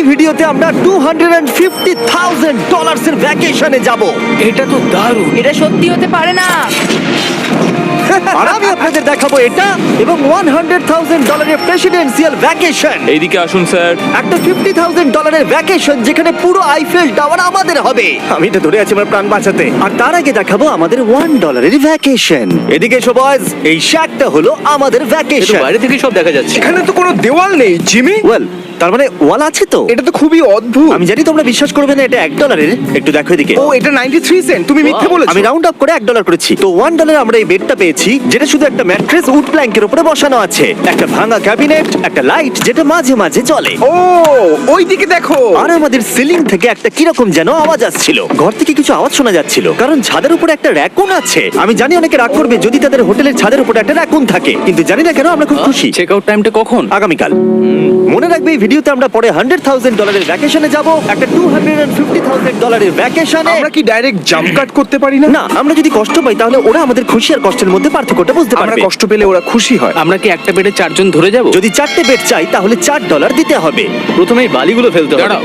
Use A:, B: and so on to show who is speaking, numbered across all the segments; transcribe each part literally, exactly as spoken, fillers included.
A: ভিডিওতে আমরা two hundred fifty thousand dollars এর ভ্যাকেশনে যাব।
B: এটা তো দারুণ।
C: এটা সত্যি হতে পারে না।
A: আর আমি আপনাদের দেখাবো এটা এবং ওয়ান হান্ড্রেড থাউজেন্ড ডলারের প্রেসিডেন্সিয়াল ভ্যাকেশন।
B: এইদিকে আসুন স্যার।
A: একটা ফিফটি থাউজেন্ড ডলারের ভ্যাকেশন যেখানে পুরো আইফেল টাওয়ার আমাদের হবে। আমি তো ধরে আছি আমার প্রাণ বাঁচাতে। আর তার আগে দেখাবো আমাদের ওয়ান ডলারের ভ্যাকেশন। এদিকে এসো বয়স, এই শ্যাকটা হলো আমাদের
B: এটা
A: ভ্যাকেশন।
B: বাইরে থেকে সব দেখা যাচ্ছে।
D: এখানে তো কোনো দেওয়াল নেই জিমি।
A: ওয়েল, তার মানে ওয়াল আছে তো?
D: এটা তো খুবই অদ্ভুত।
A: আমি জানি তোমরা বিশ্বাস করবে না এটা এক ডলারের। একটু দেখো এদিকে।
D: ও এটা নাইনটি থ্রি সেন্ট। তুমি মিথ্যে বলেছো।
A: আমি রাউন্ড আপ করে এক ডলার করেছি। তো ওয়ান ডলারে আমরা এই বেডটা পেয়েছি যেটা শুধু একটা ম্যাট্রেস উড প্ল্যাঙ্কের উপরে বসানো আছে, একটা ভাঙা ক্যাবিনেট, একটা লাইট যেটা মাঝে মাঝে চলে।
D: ও ওইদিকে দেখো।
A: আর আমাদের সিলিং থেকে একটা কিরকম যেন আওয়াজ আসছিল। ঘর থেকে কিছু আওয়াজ শোনা যাচ্ছিল কারণ ছাদের উপরে একটা র‍্যাকুন আছে। আমি জানি অনেকে রাগ করবে যদি তাদের হোটেলের ছাদের উপরে একটা র‍্যাকুন থাকে, কিন্তু জানি না কেন আমরা খুব খুশি।
B: চেক আউট টাইমটা কখন?
A: আগামীকাল। মনে রাখবে এই ভিডিওতে আমরা পরে হান্ড্রেড থাউজেন্ড ডলারের ভ্যাকেশনে যাব, একটা টু হান্ড্রেড ফিফটি থাউজেন্ড ডলারের ভ্যাকেশনে।
D: আমরা কি ডাইরেক্ট জাম্প কাট করতে পারি না?
A: না, আমরা যদি কষ্ট পাই তাহলে ওরা আমাদের খুশি আর কষ্টের মধ্যে পার্থক্যটা বুঝতে
D: আমরা
A: পারবে।
D: কষ্ট পেলে ওরা খুশি হয়।
B: আমরা কি একটা বেডে চারজন ধরে যাব?
A: যদি চারটে বেড চাই তাহলে চার ডলার দিতে হবে।
B: প্রথমেই বালিগুলো ফেলতে হবে।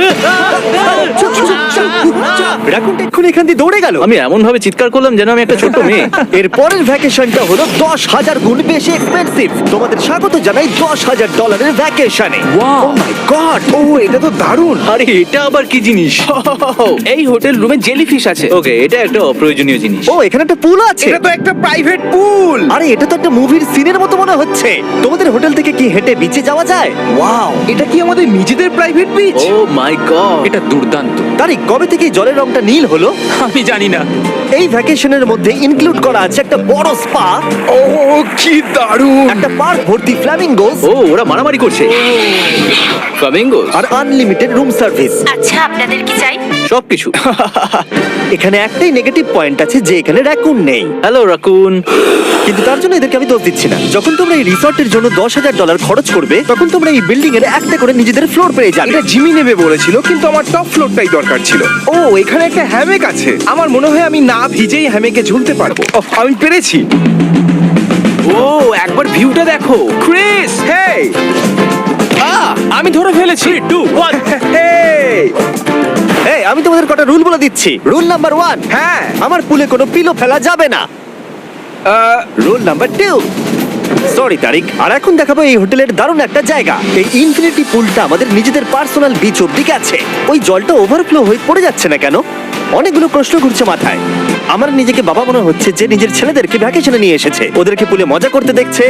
A: রাকুনটা এক্ষুনি এখান দিয়ে দৌড়ে গেল।
B: আমি এমন ভাবে চিৎকার করলাম যেন আমি একটা ছোট মেয়ে।
A: এর পরের ভ্যাকেশনটা হলো দশ হাজার গুণ বেশি এক্সপেন্সিভ। তোমাদের স্বাগত জানাই দশ হাজার ডলারের ভ্যাকেশনে।
B: Wow!
A: O my god!
D: ও এটা তো দারুণ।
B: আরে এটা আবার কি জিনিস?
E: এই হোটেল রুমে জেলিফিশ আছে।
B: ওকে, এটা একটা অপ্রয়োজনীয় জিনিস।
A: ও এখানে একটা পুল আছে।
D: এটা তো একটা প্রাইভেট পুল।
A: আরে এটা তো একটা মুভির সিনের মতো মনে হচ্ছে। তোমাদের হোটেল থেকে কি হেঁটে বিচে যাওয়া যায়? ওয়াও!
D: এটা কি আমাদের নিজেদের private beach?
B: Oh my God, এটা দুর্দান্ত।
A: তারিক, কবে থেকে এই জলের রংটা নীল হলো?
B: আমি জানি না।
A: এই ভ্যাকেশনের মধ্যে ইনক্লুড করা আছে একটা বড় স্পা,
D: ও কি দারুণ।
A: একটা পার্ক ভর্তি ফ্ল্যামিঙ্গোস
B: ও ওরা মারামারি করছে। ফ্লামিঙ্গোস
A: আর আনলিমিটেড রুম সার্ভিস।
C: আচ্ছা, আপনাদের কি চাই?
B: সবকিছু।
A: এখানে একটাই নেগেটিভ পয়েন্ট আছে যে এখানে র‍্যাকুন নেই।
B: Hello raccoon.
A: কিন্তু তার জন্য এদেরকে আমি দোষ দিচ্ছি না। যখন তোমরা এই রিসর্টের জন্য দশ হাজার ডলার খরচ করবে তখন তোমরা এই বিল্ডিং এর একটা করে নিজেদের ফ্লোর পেয়ে যাবে।
D: এটা জিমি নেবে বলেছিল কিন্তু আমার টপ ফ্লোরটাই দরকার ছিল। ও এখানে একটা হ্যামেক আছে। আমার মনে হয় আমি না ভিজেই হ্যামেকে ঝুলতে পারবো। ওহ, আমি পেরেছি।
E: ও একবার ভিউটা দেখো ক্রিস।
D: হেই
E: আমি ধরে ফেলেছি। Two one.
D: হেই
A: এই, আমি তোমাদের কটা রুল বলে দিচ্ছি। রুল নাম্বার ওয়ান,
D: হ্যাঁ
A: আমার পুলে কোনো পিলো ফেলা যাবে না।
D: Ah,
A: rule number two, sorry Tariq. আর এখন দেখাবো এই হোটেলের দারুণ একটা জায়গা। এই ইনফিনিটি পুলটা আমাদের নিজেদের পার্সোনাল বিচ অব্দি আছে। ওই জলটা ওভারফ্লো হয়ে পড়ে যাচ্ছে না কেন? অনেকগুলো প্রশ্ন ঘুরছে মাথায়। আমার নিজেকে বাবা মনে হচ্ছে যে নিজের ছেলেদেরকে ভ্যাকেশনে নিয়ে এসেছে, ওদেরকে পুলে মজা করতে দেখছে।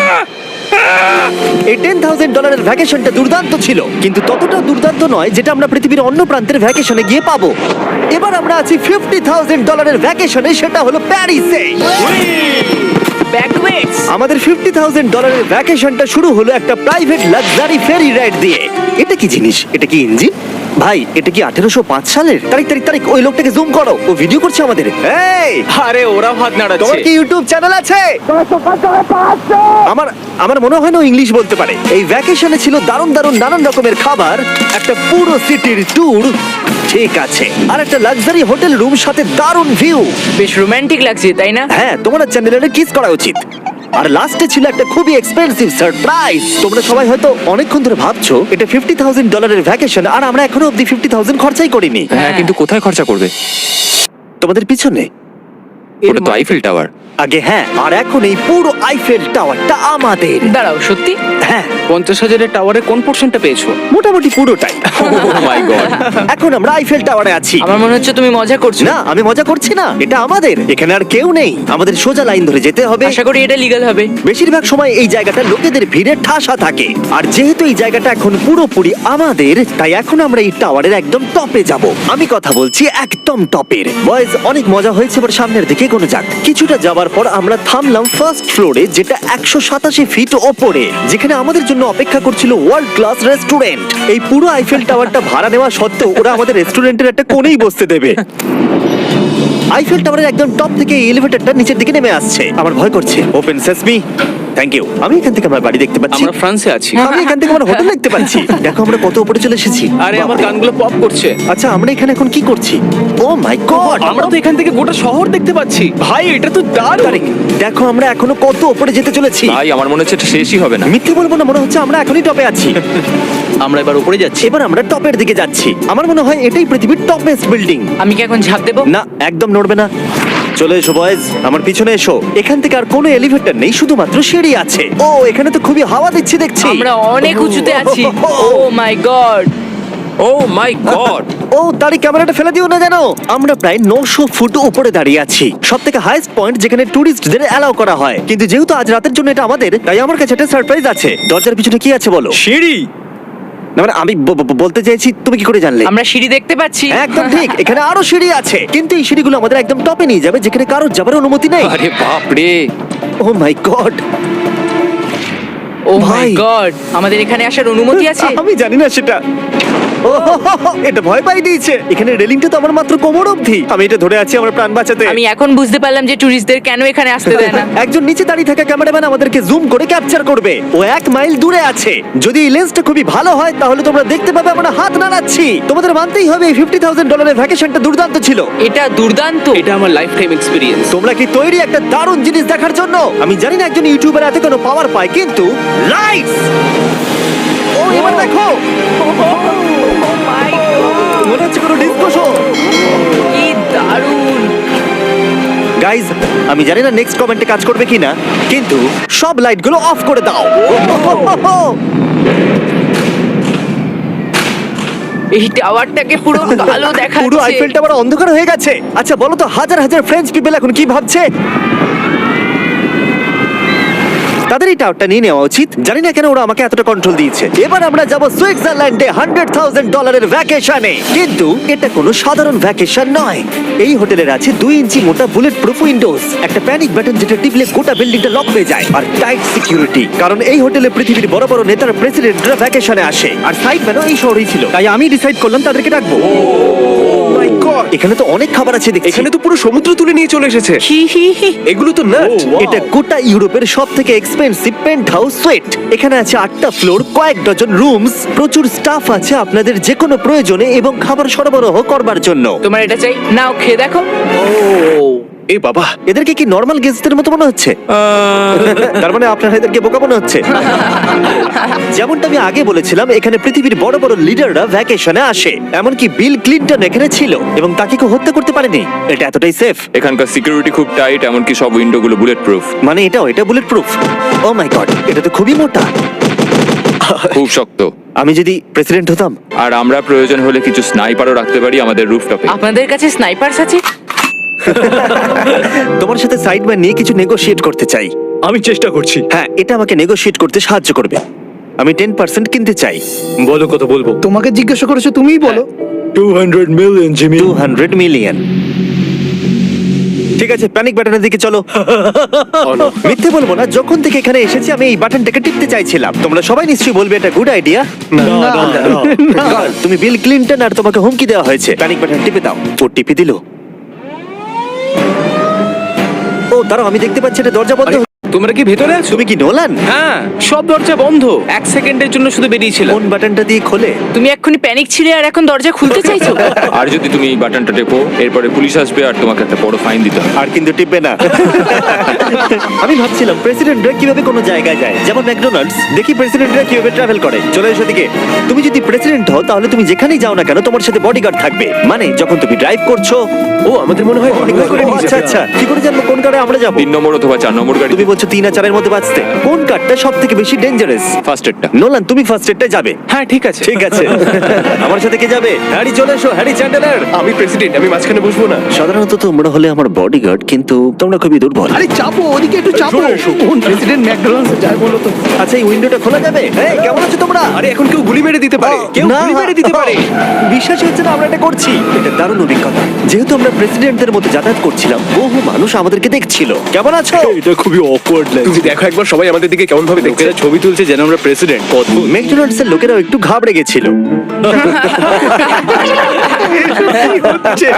A: এই টেন থাউজেন্ড ডলারের ভ্যাকেশনটা দুর্দান্ত ছিল, কিন্তু ততটা দুর্দান্ত নয় যেটা আমরা পৃথিবীর অন্য প্রান্তের ভ্যাকেশনে গিয়ে পাবো। এবার আমরা আছি ফিফটি থাউজেন্ড ডলারের ভ্যাকেশনে, সেটা হলো প্যারিসে।
C: ব্যাকওয়েটস।
A: আমাদের ফিফটি থাউজেন্ড ডলারের ভ্যাকেশনটা শুরু হলো একটা প্রাইভেট লাক্সারি ফেরি রাইড দিয়ে। এটা কি জিনিস? এটা কি ইঞ্জিন? ভাই, এটা কি আঠেরোশো পাঁচ সালের? তারিখ তারিখ তারিখ ওই লোকটাকে জুম করো, ও ভিডিও করছে আমাদের। এই,
E: আরে ওরা হাত
A: তোমার
E: নাড়াচ্ছে।
A: কি ইউটিউব চ্যানেল আছে? আমার আমার মনে হয় না ও ইংলিশ বলতে পারে। এই ভ্যাকেশনে ছিল দারুণ দারুণ নানান রকমের খাবার, একটা পুরো সিটির ট্যুর, ঠিক আছে, আর একটা লাক্সারি হোটেল রুম সাথে দারুণ ভিউ।
C: বেশ রোমান্টিক লাগছে, তাই না?
A: হ্যাঁ, তোমার চ্যানেলে কিস করা উচিত। আর লাস্টে ছিল একটা খুবই এক্সপেন্সিভ সারপ্রাইজ। তোমরা সবাই হয়তো অনেকক্ষণ ধরে ভাবছো এটা ফিফটি থাউজেন্ড ডলারের ভ্যাকেশন আর আমরা এখনো অব্দি ফিফটি থাউজেন্ড খরচাই করিনি।
B: হ্যাঁ, কিন্তু কোথায় খরচা করবে?
A: তোমাদের পিছনে
B: ওটা তো আইফেল টাওয়ার।
A: আগে হ্যাঁ, আর এখন এই পুরো আইফেল টাওয়ারটা আমাদের।
C: দাঁড়াও, সত্যি?
A: হ্যাঁ,
E: পঞ্চাশ হাজারের টাওয়ারে কোন পোর্শনটা পেয়েছো?
A: মোটামুটি পুরোটাই।
B: Oh my God.
A: এখন আমরা আইফেল টাওয়ারে আছি।
C: আমার মনে হচ্ছে তুমি মজা করছো।
A: না, আমি মজা করছি না, এটা আমাদের। এখানে আর কেউ নেই, আমাদের সোজা লাইন ধরে যেতে হবে।
C: আশা করি এটা লিগ্যাল হবে।
A: বেশিরভাগ সময় এই জায়গাটা লোকেদের ভিড়ে ঠাসা থাকে, আর যেহেতু এই জায়গাটা এখন পুরোপুরি আমাদের, তাই এখন আমরা এই টাওয়ারের একদম টপে যাব। আমি কথা বলছি একদম টপের। বয়েজ, অনেক মজা হয়েছে, এবার সামনের দিকে কোনো যাক। কিছুটা যাবার পর আমরা থামলাম ফার্স্ট ফ্লোরে, যেটা একশো সাতাশি ফিট ওপরে, যেখানে আমাদের জন্য অপেক্ষা করছিল ওয়ার্ল্ড ক্লাস রেস্টুরেন্ট। এই পুরো আইফেল টাওয়ারটা ভাড়া নেওয়া সত্ত্বেও ওরা আমাদের রেস্টুরেন্টের একটা কোণেই বসতে দেবে। আইফেল টাওয়ারের একদম টপ থেকে এই এলিভেটরটা নিচের দিকে নেমে আসছে। আমার ভয় করছে। Open sesame. Thank you. আমি এখান থেকে আমার বাড়ি দেখতে পাচ্ছি।
E: আমরা ফ্রান্সে আছি
A: আমি এখান থেকে আমার হোটেল দেখতে পাচ্ছি। দেখো আমরা কত উপরে চলে এসেছি।
E: আরে আমার
A: বাপরে।
E: কানগুলো পপ করছে।
A: আচ্ছা আমরা এখানে এখন কি করছি? ও মাই গড,
E: আমরা তো এখান থেকে গোটা শহর দেখতে পাচ্ছি। ভাই এটা তো দারুণ।
A: দেখো আমরা এখনো কত উপরে যেতে চলেছি।
B: ভাই আমার মনে হচ্ছে এটা শেষই হবে না।
A: মিথ্যে বলবো না, মনে হচ্ছে আমরা এখনই টপে আছি।
E: আমরা এবার উপরে যাচ্ছি।
A: এবার আমরা টপের দিকে যাচ্ছি। আমার মনে হয় এটাই পৃথিবীর টপেস্ট বিল্ডিং।
C: আমি কি এখন ঝাঁপ দেবো?
A: না, একদম নড়বে না। চলে এসো বয়েজ, আমার পিছনে এসো। এখান থেকে আর কোনো এলিভেটর নেই, শুধুমাত্র সিঁড়ি আছে। ও এখানে তো খুবই হাওয়া দিচ্ছে দেখছি।
C: আমরা অনেক উঁচুতে আছি। ও my god.
B: O my god.
A: ও দাঁড়ি, ক্যামেরাটা ফেলে দিও না জানো। আমরা প্রায় নশো ফুট উপরে দাঁড়িয়ে আছি, সব থেকে হাইস্ট পয়েন্ট যেখানে টুরিস্টদের অ্যালাউ করা হয়। কিন্তু যেহেতু আজ রাতের জন্য এটা আমাদের, তাই আমার কাছে একটা সারপ্রাইজ আছে। দরজার পিছনে কি আছে বলো?
E: সিঁড়ি।
A: না মানে আমি ব- ব- বলতে চাইছি, তুমি কি করে জানলে?
C: আমরা সিঁড়ি দেখতে পাচ্ছি।
A: একদম ঠিক, এখানে আরো সিঁড়ি আছে, কিন্তু এই সিঁড়িগুলো আমাদের একদম টপে নিয়ে যাবে, যেখানে কারোর যাবার অনুমতি নেই।
B: আরে বাপ রে।
A: ও মাই গড,
C: ও মাই
A: ভাই।
C: গড, আমাদের এখানে আসার অনুমতি আছে?
A: আমি জানি না সেটা। ও হো হো হো, এটা ভয় পাই দিয়েছে। এখানে রেলিংটা তো আমার মাত্র কোমর অবধি। আমি এটা ধরে আছি আমার প্রাণ বাঁচাতে।
C: আমি এখন বুঝতে পারলাম যে ট্যুরিস্টদের কেন এখানে আসতে দেয় না।
A: একজন নিচে দাঁড়িয়ে থাকা ক্যামেরাম্যান আমাদেরকে জুম করে ক্যাপচার করবে। ও এক মাইল দূরে আছে। যদি এই লেন্সটা খুবই ভালো হয় তাহলে তোমরা দেখতে পাবে আমরা হাত নাড়াচ্ছি। তোমাদের মানতেই হবে এই ফিফটি থাউজেন্ড ডলারের ভ্যাকেশনটা দুর্দান্ত ছিল।
C: এটা দুর্দান্ত।
E: এটা আমার লাইফ টাইম এক্সপিরিয়েন্স।
A: তোমরা কি তৈরি একটা দারুণ জিনিস দেখার জন্য? আমি জানি না একজন ইউটিউবার এত কোনো পাওয়ার পায়, কিন্তু লাইটস! ও এবার দেখো, মনে হচ্ছে কোনো ডিস্কো শো।
C: কি দারুণ।
A: গাইজ, আমি জানি না নেক্সট কমেন্টে কাজ করবে কিনা, কিন্তু সব লাইটগুলো অফ করে দাও।
C: এই টাওয়ারটাকে পুরো কালো দেখাচ্ছে।
A: পুরো আইফেল টাওয়ার অন্ধকার হয়ে গেছে। আচ্ছা বলো তো, হাজার হাজার ফ্রেঞ্চ পিপল এখন কি ভাবছে? তাদের এই টাওয়ারটা নিয়ে নেওয়া উচিত। জানি না কেন ওরা আমাকে এতটা কন্ট্রোল দিয়েছে। এবার আমরা যাব সুইজারল্যান্ডে হান্ড্রেড থাউজেন্ড ডলারের ভ্যাকেশনে। কিন্তু এটা কোনো সাধারণ ভ্যাকেশন নয়। এই হোটেলের আছে দুই ইঞ্চি মোটা বুলেট প্রুফ উইন্ডোজ, একটা প্যানিক বাটন যেটা টিপলে গোটা বিল্ডিংটা লক হয়ে যায়, আর টাইট সিকিউরিটি। কারণ এই হোটেলে পৃথিবীর বড় বড় নেতার প্রেসিডেন্টরা ভ্যাকেশনে আসে। আর সাইডম্যানও এই শহরেই ছিল, তাই আমি ডিসাইড করলাম তাদেরকে ডাকবো।
D: মাই গড,
A: এখানে তো অনেক খাবার আছে দেখছি।
D: এখানে তো পুরো সমুদ্র তুলে নিয়ে চলে এসেছে।
C: হি হি হি।
D: এগুলো তো নাট।
A: এটা গোটা ইউরোপের সব থেকে এক্সপেন্সিভ পেন্ট হাউস সুইট। এখানে আছে আটটা ফ্লোর, কয়েক ডজন রুমস, প্রচুর স্টাফ আছে আপনাদের যে কোনো প্রয়োজনে এবং খাবার সরবরাহ করবার জন্য।
C: তোমার এটা চাই? নাও খেয়ে দেখো।
D: এ বাবা,
A: এদেরকে কি নর্মাল গেস্টদের মতো মনে হচ্ছে? তার মানে আপনারা এদেরকে বোকা মনে হচ্ছে। যেমনটা আমি আগে বলেছিলাম, এখানে পৃথিবীর বড় বড় লিডাররা ভ্যাকেশনে আসে। এমনকি বিল ক্লিনটন এখানে ছিল এবং তাকে কেউ হত্যা করতে পারেনি। এটা এতটাই সেফ।
B: এখানকার সিকিউরিটি খুব টাইট, এমনকি সব উইন্ডো গুলো বুলেট প্রুফ।
A: মানে এটাও, এটা bulletproof. Oh my God, এটা তো খুবই মোটা।
B: খুব শক্ত।
A: আমি যদি প্রেসিডেন্ট হতাম।
B: আর আমরা প্রয়োজন হলে কিছু স্নাইপারও রাখতে পারি আমাদের রুফটপে।
C: আপনাদের কাছে স্নাইপারস আছে?
A: তোমার সাথে সাইডম্যান নিয়ে কিছু নেগোশিয়েট করতে চাই।
E: আমি চেষ্টা করছি।
A: হ্যাঁ, এটা আমাকে নেগোশিয়েট করতে সাহায্য করবে। আমি টেন পার্সেন্ট কিনতে চাই।
E: বলো কত বলবো।
F: তোমাকে জিজ্ঞাসা করেছো, তুমিই বলো।
E: Two hundred million Jimmy.
A: Two hundred million. ঠিক আছে, প্যানিক বাটনের দিকে চলো। মিথ্যে বলবো না, যখন থেকে এখানে এসেছি আমি এই বাটনটাকে টিপতে চাইছিলাম। তোমরা সবাই নিশ্চয়ই বলবে এটা গুড আইডিয়া। তুমি বিল ক্লিনটন আর তোমাকে হুমকি দেওয়া হয়েছে। প্যানিক বাটন টিপে দাও। ও টিপে দিল। ও দাঁড়াও, আমি দেখতে পাচ্ছি এটা দরজা বন্ধ।
E: তোমরা কি ভেতরে আছো?
A: তুমি কি নোলান?
E: হ্যাঁ, সব দরজা বন্ধ। এক সেকেন্ডের জন্য শুধু বেরিয়েছিলাম।
A: কোন বাটনটা দিয়ে খোলে?
C: তুমি এক্ষুনি প্যানিক ছিলে আর এখন দরজা খুলতে চাইছো?
B: আর যদি তুমি এই বাটনটা টেপো, এরপরে পুলিশ আসবে আর তোমাকে একটা বড় ফাইন দিতে হবে।
A: আর কিন্তু টিপবে না। আমি ভাবছিলাম প্রেসিডেন্টরা কিভাবে কোনো জায়গায় যায়, যেমন ম্যাকডোনাল্ডস। দেখি প্রেসিডেন্টরা কিভাবে ট্রাভেল করে। চলে এসো দিকে। তুমি যদি প্রেসিডেন্ট হও তাহলে তুমি যেখানেই যাও না কেন তোমার সাথে বডিগার্ড থাকবে। মানে যখন তুমি ড্রাইভ করছো।
D: ও আমাদের মনে হয় অনেক করে
A: ও,
D: নিয়ে
A: আচ্ছা
D: যাবে।
A: আচ্ছা, কি করে জানবো কোন কারে আমরা যাবো?
B: তিন নম্বর অথবা চার নম্বর গাড়ি।
A: তুমি বলছো তিন আর চারের মধ্যে বাঁচতে। কোন কারটা সব থেকে বেশি ডেঞ্জারাস?
B: ফার্স্ট এডটা।
A: নোলান, তুমি ফার্স্ট এডটা যাবে।
E: হ্যাঁ ঠিক আছে।
A: ঠিক আছে। আমার সাথে কে যাবে? হ্যারি চলে এসো, হ্যারি চ্যান্ডেলার।
D: আমি প্রেসিডেন্ট, আমি মাঝখানে বসবো না।
A: সাধারণত তোমরা হলে আমার বডিগার্ড, কিন্তু তোমরা খুবই দুর্বল।
F: আরে চাপো, ওদিকে একটু চাপো। কোন প্রেসিডেন্ট ম্যাকডোনাল্ডস যায় বলো তো?
A: আচ্ছা, এই উইন্ডোটা খোলা যাবে? এই, কেমন আছো তোমরা?
D: আরে এখন কেউ গুলি মেরে দিতে পারে। কেউ
A: না,
D: গুলি মেরে দিতে পারে।
A: বিশ্বাস হচ্ছে না আমরা এটা করছি। এটা দারুণ অভিজ্ঞতা। যেহেতু আমরা প্রেসিডেন্টদের মতো যাতায়াত করছিলাম, বহু মানুষ আমাদেরকে দেখছিল। কেমন আছো?
E: এটা খুবই অকওয়ার্ড
D: তুমি দেখো একবার সবাই আমাদের দিকে কেমন ভাবে দেখছে।
E: লোকেরা ছবি তুলছে যেন আমরা প্রেসিডেন্ট। অদ্ভুত।
A: ম্যাকডোনাল্ডস এর লোকেরাও একটু ঘাবড়ে গেছিল।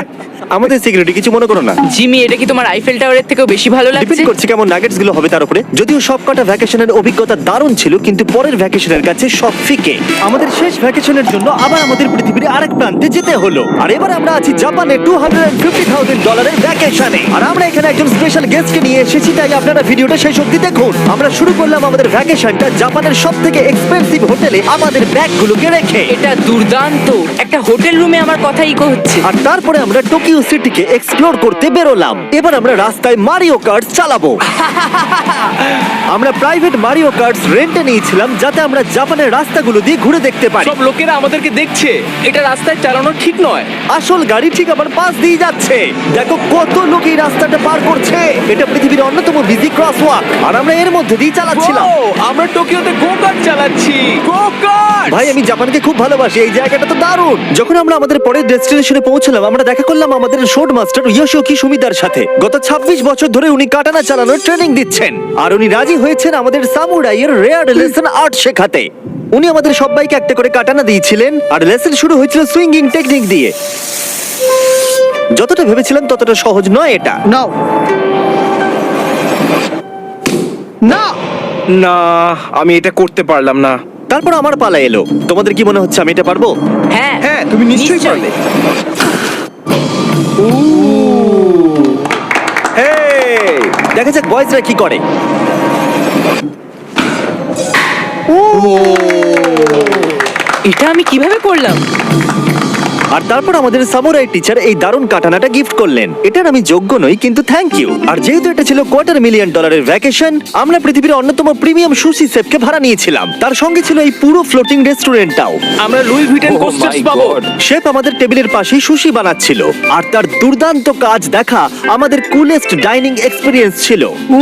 A: আমাদের সিকিউরিটি কিছু মনে করো না।
C: জিমি, এটা কি তোমার আইফেল টাওয়ারের থেকেও বেশি ভালো
A: ডিপেন্ড
C: লাগছে?
A: করছে কেমন নাগেটস গুলো হবে তার উপরে। যদিও সবকটা ভ্যাকেশনের অভিজ্ঞতা দারুণ ছিল, কিন্তু পরের ভ্যাকেশনের কাছে সব ফিকে। আমাদের শেষ ভ্যাকেশনের জন্য আবার আমাদের পৃথিবীর আরেক প্রান্তে যেতে হলো। আর এবার আমরা আছি জাপানে টু হান্ড্রেড ফিফটি থাউজেন্ড ডলারের ভ্যাকেশনে। আর আমরা এখানে একজন স্পেশাল গেস্টকে নিয়ে এসেছি, তাই আপনারা ভিডিওটা শেষ অবধি দেখুন। আমরা শুরু করলাম আমাদের ভ্যাকেশনটা জাপানের সব থেকে এক্সপেন্সিভ হোটেলে আমাদের ব্যাগগুলোকে রেখে।
C: এটা দুর্দান্ত। একটা হোটেল রুমে আমার কথা ইকো হচ্ছে।
A: আর তারপরে আমরা টোকিও সিটিকে এক্সপ্লোর করতে বেরোলাম। এবার আমরা রাস্তায় মারিও কার্টস চালাবো। আমরা প্রাইভেট মারিও কার্টস রেন্টে নিয়েছিলাম, যাতে আমরা জাপানের রাস্তাগুলো দিয়ে ঘুরে দেখতে পারি।
E: সব লোকেরা আমাদেরকে দেখছে, এটা রাস্তায় চালানো ঠিক নয়।
A: আসল গাড়ি ঠিক আমার পাশ দিয়ে যাচ্ছে। দেখো কত লোক এই রাস্তাটা পার করছে। এটা পৃথিবীর অন্যতম বিজি ক্রসওয়াক, আর আমরা এর মধ্যে দিয়ে চালাচ্ছিলাম।
E: ও, আমরা টোকিওতে গো কার্ট চালাচ্ছি। Go kart!
A: ভাই, আমি জাপানকে খুব ভালোবাসি, এই জায়গাটা তো দারুণ। যখন আমরা আমাদের পরের ডেস্টিনেশনে পৌঁছলাম, আমরা দেখা করলাম আমাদের শোট মাস্টার ইয়োশিওকি সুমিদার সাথে। গত ছাব্বিশ বছর ধরে উনি কাটানা চালানোর ট্রেনিং দিচ্ছেন, আর উনি রাজি হয়েছেন আমাদের সামুরাইয়ের রেয়ার লেসন আর্ট শেখাতে। উনি আমাদের সবাইকে একটা করে কাটানা দিয়েছিলেন, আর লেসন শুরু হয়েছিল সুইঙ্গিং টেকনিক দিয়ে। যতটা ভেবেছিলাম ততটা সহজ নয় এটা।
F: নাও না
D: না, আমি এটা করতে পারলাম না।
A: তারপর আমার পালা এলো। তোমাদের কি মনে হচ্ছে আমি এটা পারবো?
C: হ্যাঁ
D: হ্যাঁ, তুমি নিশ্চয়ই পারবে। হেই!
A: দেখা যাক বয়েজরা কি করে।
C: এটা আমি কিভাবে করলাম?
A: আর তারপর আমাদের সামুরাই টিচার এই দারুণ কাটানাটা গিফট করলেন। এটার আমি যোগ্য নই, কিন্তু থ্যাংক ইউ। আর যেহেতু এটা ছিল কোয়ার্টার মিলিয়ন ডলারের ভ্যাকেশন, আমরা পৃথিবীর অন্যতম প্রিমিয়াম সুশি শেফকে ভাড়া নিয়েছিলাম। তার সঙ্গে ছিল এই পুরো ফ্লোটিং রেস্টুরেন্টটাও।
E: আমরা Louis Vuitton
B: Oh
E: coasters
B: my
E: পাবো।
B: God!
A: শেফ আমাদের টেবিলের পাশেই সুশি বানাচ্ছিল, আর তার দুর্দান্ত কাজ দেখা আমাদের কুলেস্ট ডাইনিং এক্সপিরিয়েন্স ছিল।
C: ও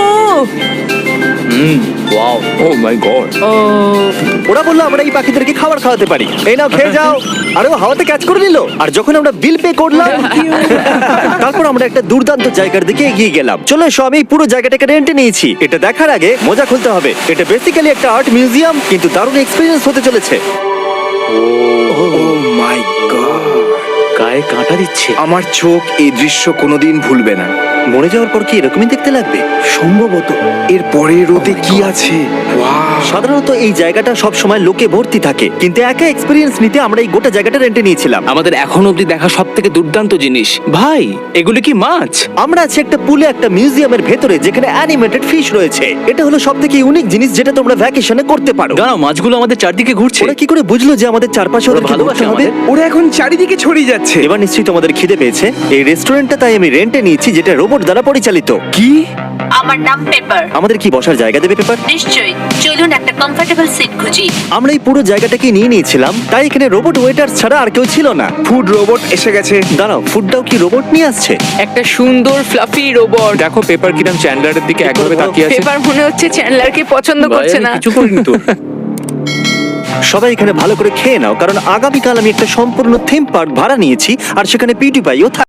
B: ওয়াও, ও মাই গড।
C: ও
A: ওরা বললো আমরা এই পাখিদেরকে খাবার খাওয়াতে পারি, এই নাও খেয়ে যাও। আরে ও হাওয়াতে ক্যাচ করে নিল। আর যখন আমরা বিল পে করলাম, তারপর আমরা একটা দুর্দান্ত জায়গার দিকে এগিয়ে গেলাম। চলো এসো, আমি এই পুরো জায়গাটাকে রেন্টে নিয়েছি। এটা দেখার আগে মজা খুলতে হবে। এটা বেসিক্যালি একটা আর্ট মিউজিয়াম, কিন্তু দারুণ এক্সপিরিয়েন্স হতে চলেছে।
D: Oh my God!
E: গায়ে কাঁটা দিচ্ছে।
D: আমার চোখ এই দৃশ্য কোনোদিন ভুলবে না।
A: মরে যাওয়ার পর কি এরকমই দেখতে লাগবে? সম্ভবত।
D: এর পরে রোদে কি আছে? ওয়াও!
A: সাধারণত এই জায়গাটা সব সময় লোকে ভর্তি থাকে, কিন্তু একা এক্সপিরিয়েন্স নিতে আমরা এই গোটা জায়গাটা রেন্টে নিয়েছিলাম।
E: আমাদের এখন অবধি দেখা সব থেকে দুর্দান্ত জিনিস। ভাই, এগুলো কি মাছ?
A: আমরা আছি একটা পুলে, একটা মিউজিয়ামের ভেতরে, যেখানে অ্যানিমেটেড ফিশ রয়েছে। এটা হলো সব থেকে ইউনিক জিনিস যেটা তোমরা ভ্যাকেশনে করতে পারো।
E: দাঁড়াও, মাছগুলো আমাদের চারদিকে ঘুরছে।
A: ওরা কি করে বুঝলো যে আমাদের চারপাশে
E: ওরা
A: ওদেরকে
E: ভালোবাসে
A: ঘুরতে হবে?
E: আমাদের।
D: ওরা এখন চারিদিকে ছড়িয়ে যাচ্ছে।
A: এবার নিশ্চয়ই তোমাদের খিদে পেয়েছে। এই রেস্টুরেন্টটা তাই আমি রেন্টে নিয়েছি, যেটা রোবট দ্বারা পরিচালিত।
D: কি?
G: আমার নাম পেপার।
A: আমাদের কি বসার জায়গা দেবে পেপার?
G: নিশ্চয়ই, চলুন একটা কমফোর্টেবল সিট খুঁজি।
A: আমরা এই পুরো জায়গাটাকে নিয়ে নিয়েছিলাম, তাই এখানে রোবট ওয়েটার ছাড়া আর কেউ ছিল না।
D: ফুড রোবট এসে গেছে।
A: দাঁড়াও, ফুডটাও কি রোবট নিয়ে আসছে?
C: একটা সুন্দর ফ্লাফি রোবট।
B: দেখো পেপার কিরম চ্যান্ডলারের দিকে একভাবে তাকিয়ে আছে।
C: পেপার মনে হচ্ছে চ্যান্ডলারকে পছন্দ
E: ভাই,
C: করছে
E: আমি
C: না।
E: কিছু করিনি তো।
A: সবাই এখানে ভালো করে খেয়ে নাও, কারণ আগামীকাল আমি একটা সম্পূর্ণ থিম পার্ক ভাড়া নিয়েছি, আর সেখানে পিউটিপাইও থাকবে।